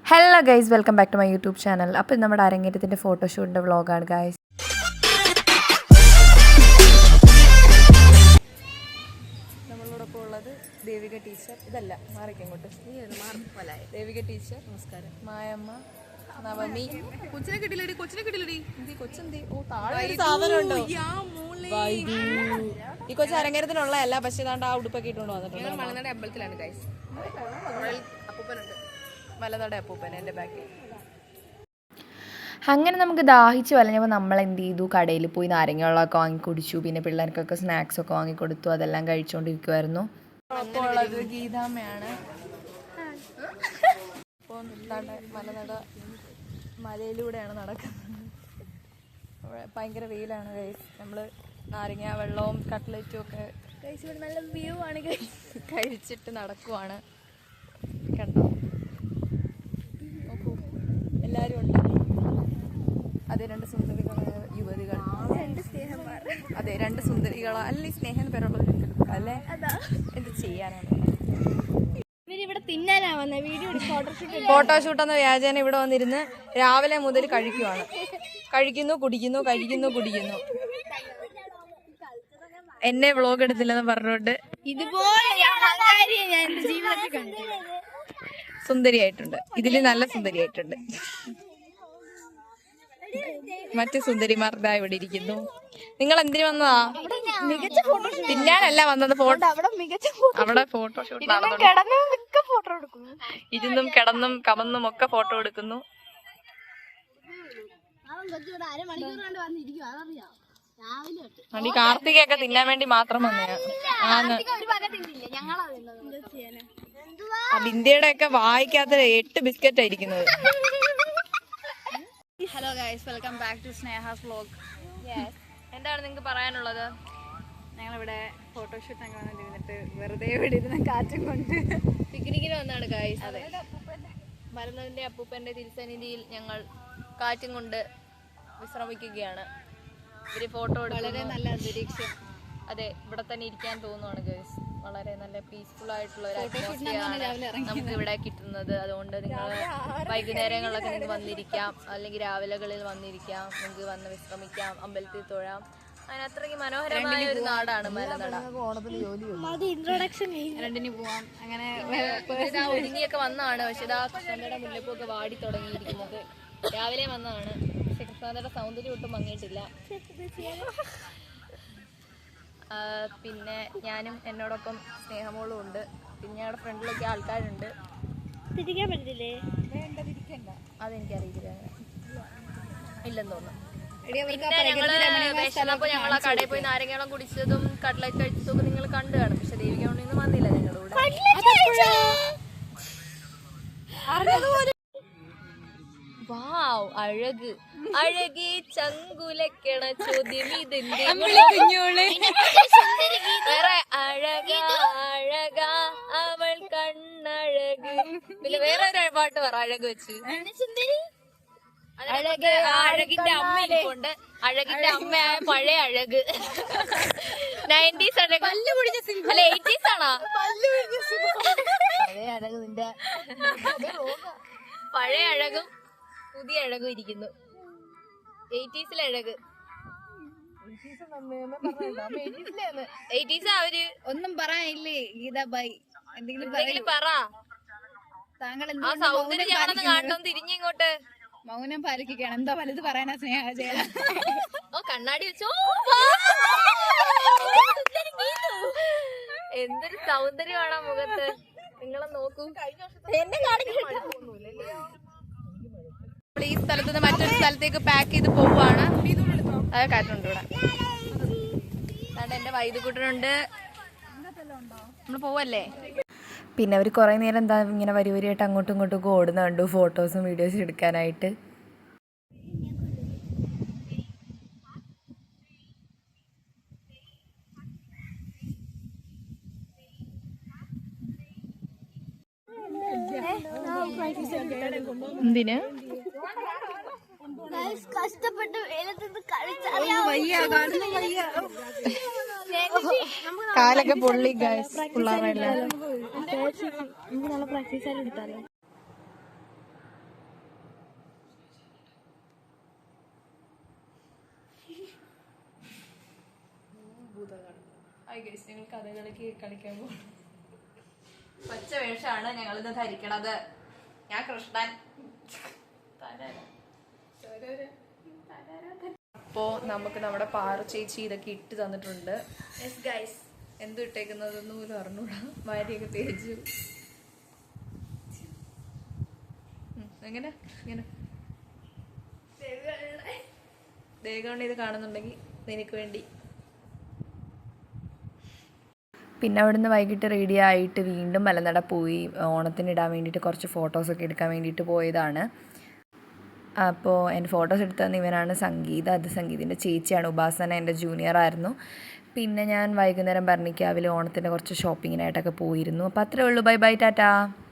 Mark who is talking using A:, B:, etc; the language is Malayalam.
A: Hello guys, welcome back to my YouTube channel. അപ്പോൾ നമ്മുടെ അരങ്ങേറ്റത്തിൻ്റെ ഫോട്ടോഷൂട്ടിൻ്റെ വ്ളോഗാണ് ഗൈസ്. നമ്മളോടൊപ്പം ഉള്ളത് ദേവിക ടീച്ചർ. ഇതല്ല മാറിക്കങ്ങോട്ട്. ദേവിക ടീച്ചർ, നമസ്കാരം. മായമ്മ, നവമി. കൊച്ചിനെ കിട്ടില്ലടി, കൊച്ചിനെ കിട്ടില്ലടി. കൊച്ചെന്തി? ഓ, താഴെ സാധനം ഉണ്ടോ? ഈ കൊച്ചു അരങ്ങേറ്റത്തിനുള്ളതല്ല, പക്ഷേ ഇതാണ്ട് ആ ഉടുപ്പൊക്കെ ഇട്ടുകൊണ്ട് വന്നിട്ടുണ്ട്. മലനാട് അമ്പലത്തിലാണ് ഗൈസ്. അപ്പൂപ്പനുണ്ട്, മലനാട് അപ്പൂപ്പൻ എൻ്റെ ബാക്കിൽ. അങ്ങനെ നമുക്ക് ദാഹിച്ച് വലഞ്ഞപ്പോൾ നമ്മൾ എന്ത് ചെയ്തു, കടയിൽ പോയി നാരങ്ങ വാങ്ങി കുടിച്ചു. പിന്നെ പിള്ളേർക്കൊക്കെ സ്നാക്സൊക്കെ വാങ്ങിക്കൊടുത്തു. അതെല്ലാം കഴിച്ചുകൊണ്ടിരിക്കുമായിരുന്നു. അപ്പോൾ ഉള്ളത് ഗീതാമ്മയാണ്. അപ്പോൾ മലനട മലയിലൂടെയാണ് നടക്കുന്നത്. ഭയങ്കര വെയിലാണ് ഗൈസ്. നമ്മൾ നാരങ്ങ വെള്ളവും കട്ട്ലറ്റും ഒക്കെ കഴിച്ച് നല്ല വ്യൂ ആണ് കഴിച്ചിട്ട് നടക്കുവാണ്. കണ്ടോ, നോക്കൂ, എല്ലാവരും ഉണ്ട്. അതെ, രണ്ട് സുന്ദരികളായ യുവതികൾ. അതെ, രണ്ട് സുന്ദരികളാ. അല്ല, ഈ സ്നേഹം പേരുള്ളത് അല്ലേ? എന്ത് ചെയ്യാനാണ്? ഫോട്ടോഷൂട്ട് എന്ന വ്യാജേന ഇവിടെ വന്നിരുന്ന് രാവിലെ മുതൽ കഴിക്കുന്നു കുടിക്കുന്നു. എന്നെ വ്ളോഗ് എടുത്തില്ലെന്ന് പറഞ്ഞോണ്ട് സുന്ദരിയായിട്ടുണ്ട്. ഇതില് നല്ല സുന്ദരിയായിട്ടുണ്ട്. മറ്റു സുന്ദരിമാർ ഇവിടെ ഇരിക്കുന്നു. നിങ്ങൾ എന്തിനു വന്നതാ? തിന്നാനല്ല വന്നത്. അവിടെ ഫോട്ടോഷൂട്ട് ഇരുന്നും കിടന്നും കമന്നും ഒക്കെ ഫോട്ടോ എടുക്കുന്നു. ഈ കാർത്തികയൊക്കെ തിന്നാൻ വേണ്ടി മാത്രം വന്നതാണ്. ബിന്ദിയുടെ ഒക്കെ വായിക്കാത്ത 8 ബിസ്ക്കറ്റ് ആയിരിക്കുന്നത്.
B: Hello guys, welcome back to Sneha's vlog.
A: എന്താണ് നിങ്ങൾക്ക് പറയാനുള്ളത്?
B: ഞങ്ങളിവിടെ ഫോട്ടോഷൂട്ടൊക്കെ വന്നിരുന്നിട്ട് വെറുതെ ഇവിടെ ഇരുന്ന് കാറ്റും കൊണ്ട്
A: പിക്നിക്കിന് വന്നാണ് ഗൈസ്. അതെ, മരുന്നതിൻ്റെ അപ്പൂപ്പൻ്റെ തിരുസന്നിധിയിൽ ഞങ്ങൾ കാറ്റും കൊണ്ട് വിശ്രമിക്കുകയാണ്. ഒരു ഫോട്ടോ
B: വളരെ നല്ല അന്തരീക്ഷം.
A: അതെ, ഇവിടെ തന്നെ ഇരിക്കാൻ തോന്നുവാണ് ഗൈസ്. വളരെ നല്ല പീസ്ഫുൾ ആയിട്ടുള്ള ഒരു അറ്റ്മോസ്ഫിയറാണ് നമുക്ക് ഇവിടെ കിട്ടുന്നത്. അതുകൊണ്ട് നിങ്ങൾ വൈകുന്നേരങ്ങളിലൊക്കെ നിങ്ങൾക്ക് വന്നിരിക്കാം, അല്ലെങ്കിൽ രാവിലെകളിൽ വന്നിരിക്കാം. നിങ്ങൾക്ക് വന്ന് വിശ്രമിക്കാം, അമ്പലത്തിൽ തൊഴാം. അങ്ങനെ അത്രയ്ക്ക് മനോഹരമായ ഒരു നാടാണ് മലനട.
B: രണ്ടിന് പോവാം. അങ്ങനെ
A: ഒരുങ്ങിയൊക്കെ വന്നതാണ്. പക്ഷെ ഇതാ കൃഷ്ണന്റെ മുല്ലപ്പൊക്കെ വാടി തുടങ്ങിയിരിക്കുന്നത്. രാവിലെ വന്നതാണ്. പക്ഷെ കൃഷ്ണന്റെ സൗന്ദര്യം ഒട്ടും മങ്ങിയിട്ടില്ല. പിന്നെ ഞാനും എന്നോടൊപ്പം സ്നേഹമോളും ഉണ്ട്. പിന്നെ ഞങ്ങളുടെ ഫ്രണ്ടിലൊക്കെ ആൾക്കാരുണ്ട്.
B: തിരിക്കാൻ പറ്റില്ലേ?
A: അതെനിക്കറിയില്ല, ഇല്ലെന്ന് തോന്നുന്നു. വിശന്നപ്പോൾ ഞങ്ങൾ ആ കടയിൽ പോയി നാരങ്ങളം കുടിച്ചതും കട്ട്ലറ്റ് കഴിച്ചതും നിങ്ങൾ കണ്ടു കാണും. പക്ഷെ ദേവിക ഒന്നും വന്നില്ല ഞങ്ങളുടെ കൂടെ. വാവ്, അഴകി ചങ്കുലക്കണ ചോദ്യം ഇതിന്റെ വേറെ അഴക അവൾ കണ്ണഴക്. പിന്നെ വേറെ ഒരു പാട്ട് പറ, അഴക് വെച്ച്. അഴകിന്റെ അമ്മ ഇരിപ്പുണ്ട്. അഴകിന്റെ അമ്മയായ പഴയ അഴക്. 90s അഴക് അല്ല, 80s ആണോ? പഴയ അഴക്, നിന്റെ പഴയ അഴകും പുതിയ അഴകും ഇരിക്കുന്നു. 80s അഴക്. 80s അവര്
B: ഒന്നും പറയാനില്ലേ ഗീത ബൈ?
A: എന്തെങ്കിലും പറ.
B: താങ്കൾ
A: ആ സൗന്ദര്യം ഞാനൊന്ന് കാണണം. തിരിഞ്ഞിങ്ങോട്ട്
B: മൗനം പാലിക്കുകയാണ്. എന്താ വലുത് പറയാനാ സ്നേഹ?
A: ഓ, കണ്ണാടി വെച്ചോ. എന്തൊരു സൗന്ദര്യമാണ് ആ മുഖത്ത്. നിങ്ങളെ നോക്കൂ. ഈ സ്ഥലത്ത് നിന്ന് മറ്റൊരു സ്ഥലത്തേക്ക് പാക്ക് ചെയ്ത് പോവാണ്. അത് കാറ്റുണ്ട് ഇവിടെ. അതാണ്ട് എന്റെ വൈദ്യുകൂട്ടനുണ്ട്. നമ്മള് പോവല്ലേ? പിന്നെ അവർ കുറേ നേരം എന്താ ഇങ്ങനെ വരിയായിട്ട് അങ്ങോട്ടും ഇങ്ങോട്ടും ഓടുന്ന കണ്ടു, ഫോട്ടോസും വീഡിയോസും എടുക്കാനായിട്ട്. എന്തിന്
C: കഷ്ടപ്പെട്ട്
A: കാലൊക്കെ പൊള്ളി ഗൈസ്, പിള്ളേരെല്ലാം.
C: പ്രാക്ടീസ് എടുത്താലോ?
A: ഞങ്ങൾ കഥകളിക്ക് കളിക്കാൻ പോകും. പച്ച വേഷമാണ് ഞങ്ങളിന്ന് ധരിക്കണത്. ഞാൻ കൃഷ്ണൻ. അപ്പോ നമുക്ക് നമ്മുടെ പാറ ചേച്ചി ഇതൊക്കെ ഇട്ട് തന്നിട്ടുണ്ട്. എന്ത് ഇട്ടേക്കുന്നതൊന്നും പോലും അറിഞ്ഞൂടാ. വാരിയൊക്കെ തേച്ചു. എങ്ങനെ ഇങ്ങനെ ദേഹമാണ് ഇത് കാണുന്നുണ്ടെങ്കിൽ നിനക്ക് വേണ്ടി. പിന്നെ അവിടുന്ന് വൈകിട്ട് റെഡി ആയിട്ട് വീണ്ടും മലനട പോയി. ഓണത്തിന് ഇടാൻ വേണ്ടിയിട്ട് കുറച്ച് ഫോട്ടോസൊക്കെ എടുക്കാൻ വേണ്ടിയിട്ട് പോയതാണ്. അപ്പോൾ എൻ്റെ ഫോട്ടോസ് എടുത്തു തന്ന ഇവനാണ് സംഗീത. അത് സംഗീതിൻ്റെ ചേച്ചിയാണ്. ഉപാസന എൻ്റെ ജൂനിയർ ആയിരുന്നു. പിന്നെ ഞാൻ വൈകുന്നേരം ഭരണിക്കാവിൽ ഓണത്തിൻ്റെ കുറച്ച് ഷോപ്പിങ്ങിനായിട്ടൊക്കെ പോയിരുന്നു. അപ്പോൾ അത്രേ ഉള്ളൂ. Bye bye, Tata.